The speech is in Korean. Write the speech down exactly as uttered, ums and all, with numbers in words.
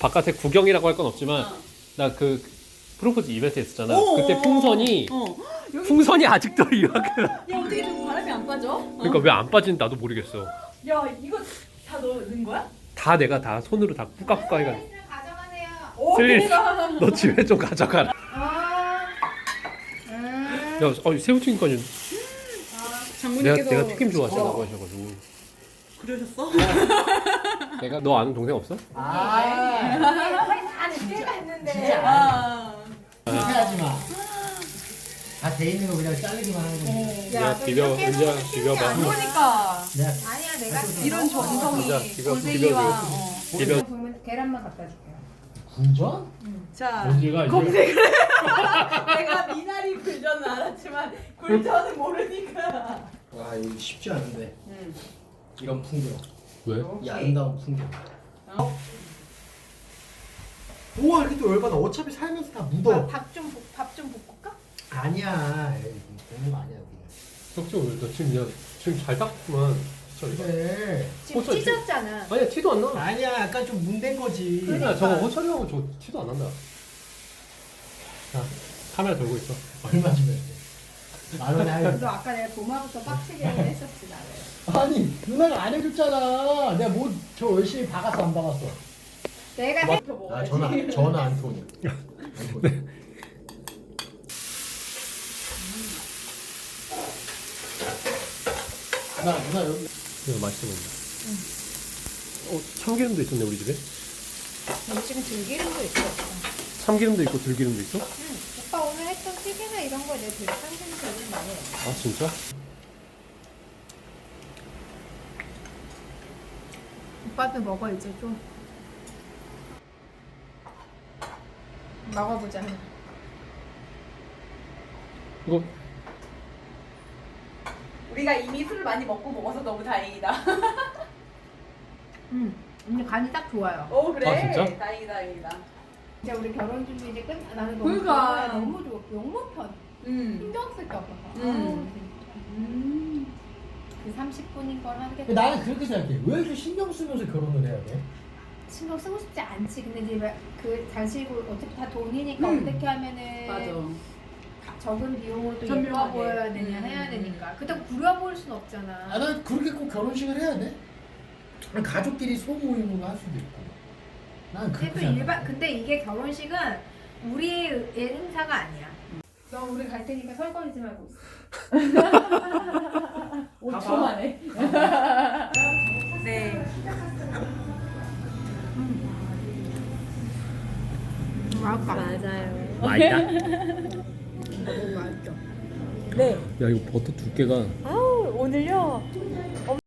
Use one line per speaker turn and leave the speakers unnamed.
바깥에 구경이라고 할 건 없지만
어.
나 그 프로포즈 이벤트 했었잖아.
오,
그때 풍선이
어. 여기
풍선이 아직도 이만큼.
야 어떻게 좀 바람이 안 빠져?
그러니까 왜 안 빠지는지 나도 모르겠어.
야 이거 다 넣는 거야?
다 내가 다 손으로 다 뿌까뿌까 해가.
가져가세요.
오
슬리
대박.
너 집에 좀 가져가라.
아, 음.
야, 어, 새우튀김까지 내가
장모님께서
내가 튀김 좋아하잖아.
어.
하셔가지고.
그러셨어?
내가 너 아는 동생 없어?
아, 다 늦게 갔는데.
진짜.
아.
하지 마. 다 돼 있는 거 그냥 자르기만 하는 거지.
내가 비벼 은지야 비벼봐.
그러니까
내가
아니야, 내가
이런 정성이
진짜 비벼,
골뱅이와
비벼.
어.
비벼.
보면 계란만 갖다 줄게요.
굴전?
자
은지가 이제
검색을 내가 미나리 굴전은 알았지만 굴전은 모르니까.
와 이거 쉽지 않은데.
응.
이런 풍경.
왜?
이 아름다운 풍경.
어?
우와 이렇게 또 열받아. 어차피 살면서 다 묻어.
밥좀밥 좀 볶을까?
아니야. 에이, 되는 거 아니야 여기.
석주 너 지금 야 지금 잘 닦구만. 진짜.
그래.
지금
호철,
찢었잖아.
아니야 티도 안 나.
아니야 약간 좀 문댄 거지.
그러니까 저거 호철이하고 저 티도 안 난다. 자 카메라 들고 있어.
얼마 주면 돼? 만 원에 하면.
너 아까 내가 도마부터 빡치게 했었지, 나를.
아니 누나가 안 해줬잖아. 내가 뭐 저 열심히 박았어 안 박았어?
내가
뭐?
해.
이거
아
먹어야지.
전화 전화 안 통해. 안 통해. 누나 누나 여기.
이거 맛있어 보인다. 어 참기름도 있었네 우리 집에.
여기 지금 들기름도 있어.
참기름도 있고 들기름도 있어?
응. 오빠 오늘 했던 튀김이나 이런 거 내가 되게 상심이 되게 많이 해.
아 진짜?
오빠도 먹어 이제 좀. 먹어보자.
이거
우리가 이미 술을 많이 먹고 먹어서 너무 다행이다.
응. 근데 간이 딱 좋아요.
오 그래.
아, 진짜?
다행이다 다행이다.
이제 우리 결혼 준비 이제 끝. 나는 너무
그러니까.
좋아. 너무 좋아. 너무 편.
음.
신경 쓸 게 없어서.
음.
음. 그 삼십 분인 걸 하는 게 더-
나는 그렇게 생각해. 왜 이렇게 신경 쓰면서 결혼을 해야 돼?
신경 쓰고 싶지 않지. 근데 이제 왜 그 단식으로 어차피 다 돈이니까
음.
어떻게 하면은
맞아.
적은 비용으로 또 예뻐
현명하게.
보여야 되냐
음.
해야 되니까. 그렇다고 구려 보일 순 없잖아.
아, 난 그렇게 꼭 결혼식을 해야 돼? 아니, 가족끼리 소모임으로 할 수도 있고. 난
근데
그렇게
또
생각해.
일반 근데 이게 결혼식은 우리의 행사가 아니야. 너 우리 갈 테니까 설거지 좀 하고 있어.
오 초 만에. 네.
맛있다.
맞아요.
맛있다.
너무 맛있죠.
네.
야 이거 버터 두께가
아우 오늘요.